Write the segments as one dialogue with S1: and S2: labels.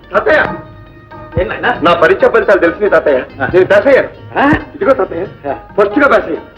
S1: తాతయ్య నా పరీక్ష ఫలితాలు తెలిసింది తాతయ్య. నేను పాస్ అయ్యాను. ఇదిగో తాతయ్య, ఫస్ట్ గా పాస్ అయ్యాను.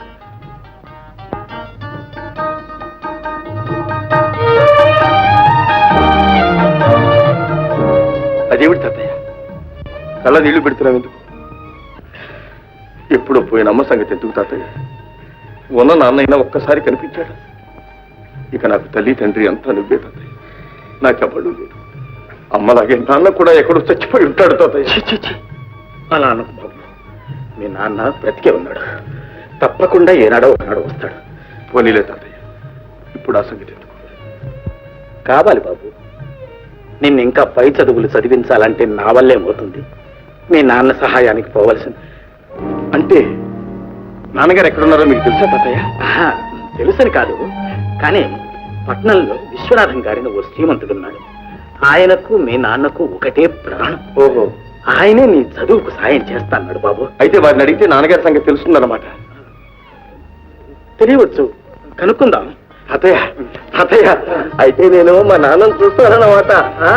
S1: అదేమిటి తాతయ్య కళ్ళ నీళ్లు పెడుతున్నావు ఎందుకు? ఎప్పుడో పోయిన అమ్మ సంగతి ఎందుకు తాతయ్య? ఉన్న నాన్నైనా ఒక్కసారి కనిపించాడు. ఇక నాకు తల్లి తండ్రి అంతా నువ్వే తాతయ్య. నాకెవ్వడు లేదు. అమ్మలాగే నాన్న కూడా ఎక్కడో చచ్చిపోయి ఉంటాడు తాతయ్య.
S2: అలా అను బాబు. మీ నాన్న బ్రతికే ఉన్నాడు. తప్పకుండా ఏనాడో ఒకనాడు వస్తాడు.
S1: పోనీలే తాతయ్య, ఇప్పుడు ఆ సంగతి ఎందుకు?
S2: కావాలి బాబు. నిన్ను ఇంకా పై చదువులు చదివించాలంటే నా వల్లేమవుతుంది. మీ నాన్న సహాయానికి పోవలసింది.
S1: అంటే నాన్నగారు ఎక్కడున్నారో మీకు తెలుసా తాతయ్య?
S2: తెలుసని కాదు, కానీ పట్నంలో విశ్వనాథం గారిని ఓ శ్రీమంతుడున్నాడు. ఆయనకు మీ నాన్నకు ఒకటే ప్రాణం.
S1: ఓహో,
S2: ఆయనే నీ చదువుకు సాయం చేస్తాన్నాడు బాబు.
S1: అయితే వారిని అడిగితే నాన్నగారి సంగతి తెలుస్తుందన్నమాట.
S2: తెలియవచ్చు, కనుక్కుందాం.
S1: తాతయ్య తాతయ్య, అయితే నేను మా నాన్నను చూస్తానన్నమాట.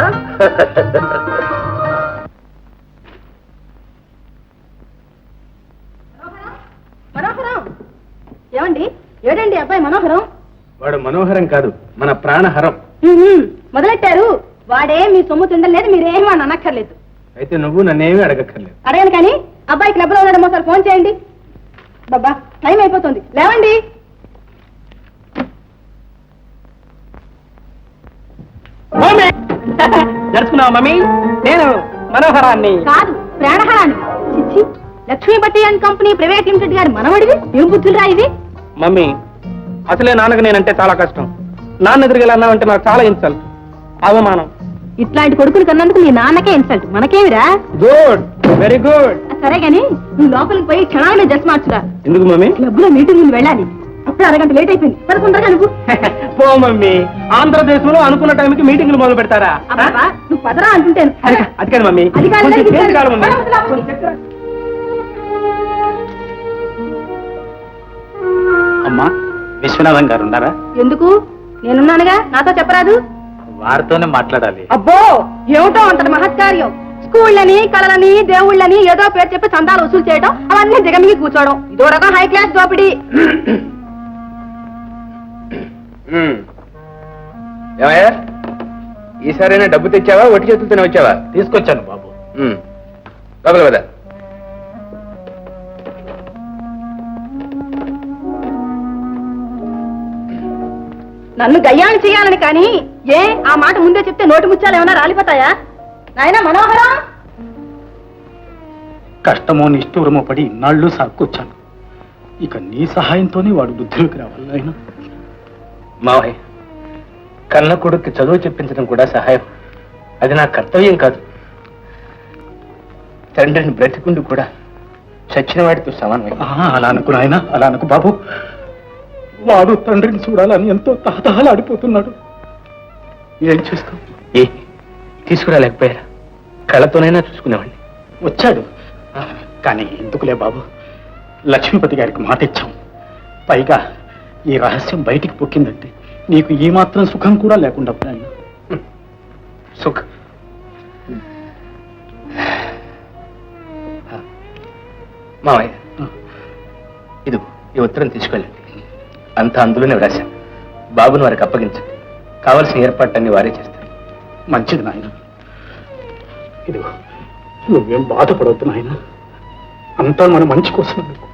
S3: మనోహరం ఏమండి? ఏడండి అబ్బాయి మనోహరం?
S4: వాడు మనోహరం కాదు, మన ప్రాణహరం.
S3: మొదలెట్టారు. వాడే మీ సొమ్ము తిండలేదు, మీరేమీ అని అనక్కర్లేదు.
S4: అయితే నువ్వు నన్నేమీ అడగక్కర్లేదు.
S3: అడగను కానీ అబ్బాయి క్లబ్ లో ఉన్నాడేమో సార్, ఫోన్ చేయండి. బాబా టైం అయిపోతుంది, లేవండి.
S4: జరుచుకున్నావు మమ్మీ? నేను మనోహరాన్ని
S3: కాదు, ప్రాణహారాన్ని. చిచ్చి, లక్ష్మీ బట్టి అండ్ కంపెనీ ప్రైవేట్ లిమిటెడ్ గారి మనవడివి. ఏం బుద్ధులు రా ఇది?
S4: మమ్మీ, అసలే నాన్నకు నేనంటే చాలా కష్టం. నాన్న ఎదురుగా అన్నావంటే నాకు చాలా ఇన్సల్ట్, అవమానం.
S3: ఇట్లాంటి కొడుకులు కన్నందుకు మీ నాన్నకే ఇన్సల్ట్, మనకేమిరా?
S4: Good, very good.
S3: సరే గాని నువ్వు లోపలికి పోయి క్షణాలనే డ్రెస్ మార్చురా.
S4: ఎందుకు మమ్మీ?
S3: క్లబ్ లో మీటింగ్ వెళ్ళాలి. అప్పుడు అరగంట లేట్ అయిపోయింది. పదకొండగా నువ్వు
S4: పో మమ్మీ. ఆంధ్రదేశంలో అనుకున్న టైంకి మీటింగ్లు మొదలు పెడతారా?
S3: నువ్వు పదరా అంటుంటాను.
S4: అది కాదు మమ్మీ,
S3: అది కాదు,
S4: కొంచెం
S3: అది
S4: చేతి కాలు
S3: కాదు.
S4: మమ్మీ. అమ్మా, విశ్వనాథం గారు ఉన్నారా?
S3: ఎందుకు? నేనున్నానుగా, నాతో చెప్పరాదు?
S4: వారితోనే మాట్లాడాలి.
S3: అబ్బో, ఏమిటో అంతటి మహత్కార్యం. స్కూళ్ళని, కళలని, దేవుళ్ళని ఏదో పేరు చెప్పి చందాలు వసూలు చేయడం, అవన్నీ దిగమిగి కూర్చోవడం, ఇదో రకం హై క్లాస్ దోపిడీ.
S4: ఏమయ్యా, ఈసారైనా డబ్బు తెచ్చావా, ఒట్టి చేతులతోనే వచ్చావా?
S2: తీసుకొచ్చాను బాబు.
S4: లోపల కదా.
S3: నన్ను గయ్యాన్ని చేయాలని కానీ ఏ ఆ మాట ముందే చెప్తే నోటి ముత్యాలు ఏమైనా రాలిపోతాయా? నాయనా మనోహరం,
S2: కష్టమో నిష్ఠూరమో పడి ఇన్నాళ్ళు సాక్కొచ్చాను. ఇక నీ సహాయంతోనే వాడు బుద్ధిలోకి రావాలి. ఆయన
S4: మావయ్య, కన్న కొడుక్కి చదువు చెప్పించడం కూడా సహాయం. అది నా కర్తవ్యం కాదు. తండ్రిని బ్రతికుండి కూడా చచ్చిన వాడితో సమానమే.
S2: అలా అనుకు నాయన, అలా అనుకు బాబు. వాడు తండ్రిని చూడాలని ఎంతో తహతహలాడిపోతున్నాడు. ఏం చేస్తాం?
S4: ఏ తీసుకురాలేకపోయారా? కళ్ళతోనైనా చూసుకునేవాడిని.
S2: వచ్చాడు, కానీ ఎందుకులే బాబు. లక్ష్మీపతి గారికి మాట ఇచ్చాం. పైగా ఈ రహస్యం బయటికి పొక్కిందంటే నీకు ఈ మాత్రం సుఖం కూడా లేకుండా పోయాను.
S4: సుఖ్ మావయ్య, ఇది ఈ ఉత్తరం తీసుకెళ్ళండి. అంతా అందులోనే వ్రాశాను. బాబుని వారికి అప్పగించండి. కావలసిన ఏర్పాట్లన్నీ వారే చేస్తారు.
S2: మంచిది నాయన. ఇదిగో, నువ్వేం బాధపడవద్దు నాయన. అంతా మన మంచి కోసం.